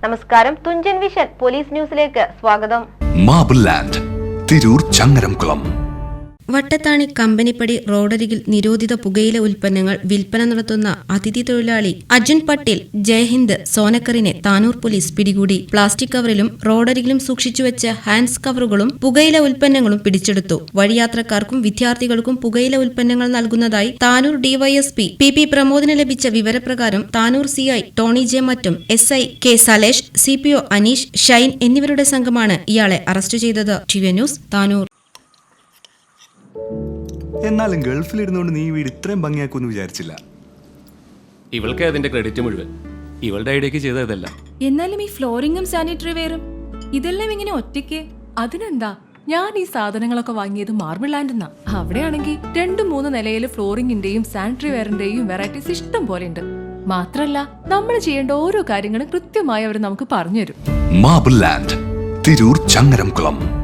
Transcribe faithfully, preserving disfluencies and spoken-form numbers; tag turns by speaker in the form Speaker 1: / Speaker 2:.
Speaker 1: നമസ്കാരം, Thunchan vision police ന്യൂസിലേക്ക് സ്വാഗതം.
Speaker 2: Marble land, Tirur Changaramkulam.
Speaker 3: വട്ടത്താണി കമ്പനിപ്പടി റോഡരികിൽ നിരോധിത പുകയില ഉൽപ്പന്നങ്ങൾ വിൽപ്പന നടത്തുന്ന അതിഥി തൊഴിലാളി അർജുൻ പട്ടേൽ ജയഹിന്ദ് സോനക്കറിനെ താനൂർ പോലീസ് പിടികൂടി. പ്ലാസ്റ്റിക് കവറിലും റോഡരികിലും സൂക്ഷിച്ചുവെച്ച ഹാൻഡ്സ് കവറുകളും പുകയില ഉൽപ്പന്നങ്ങളും പിടിച്ചെടുത്തു. വഴിയാത്രക്കാർക്കും വിദ്യാർത്ഥികൾക്കും പുകയില ഉൽപ്പന്നങ്ങൾ നൽകുന്നതായി താനൂർ ഡിവൈഎസ്പി പി പി പ്രമോദിന് ലഭിച്ച വിവരപ്രകാരം Tanur C I Tony J മറ്റും S I K Salesh, C P O Aneesh, Shine എന്നിവരുടെ സംഘമാണ് ഇയാളെ അറസ്റ്റ് ചെയ്തത്. T V news, Tanur.
Speaker 4: എന്നാലും ഗൾഫിലിരുന്നുകൊണ്ട് നീ വീട് ഇത്രയും ഭംഗിയാക്കുമെന്ന് വിചാരിച്ചില്ല.
Speaker 5: ഇവൾക്ക് അതിന്റെ ക്രെഡിറ്റ് മുഴുവൻ ഇവളുടെ ഐഡിയക്ക് ചെയ്തതല്ല.
Speaker 6: എന്നാലും ഈ ഫ്ലോറിംഗും സാനിറ്ററി വെയറും ഇതെല്ലാം ഇങ്ങനെ ഒറ്റയ്ക്ക്? അതിനെന്താ, ഞാൻ ഈ സാധനങ്ങളൊക്കെ വാങ്ങിയത് മാർബിൾ ലാൻഡ് എന്നാ. അവിടെയാണെങ്കിൽ രണ്ടു മൂന്ന് നിലയിൽ ഫ്ലോറിംഗിന്റെയും സാനിറ്ററി വെയറിന്റെയും വെറൈറ്റീസ് ഇഷ്ടം പോലെ ഉണ്ട്. മാത്രല്ല, നമ്മൾ ചെയ്യേണ്ട ഓരോ കാര്യങ്ങളും കൃത്യമായി അവർ നമുക്ക് പറഞ്ഞുതരും.
Speaker 2: Marble land, Tirur Changaramkulam.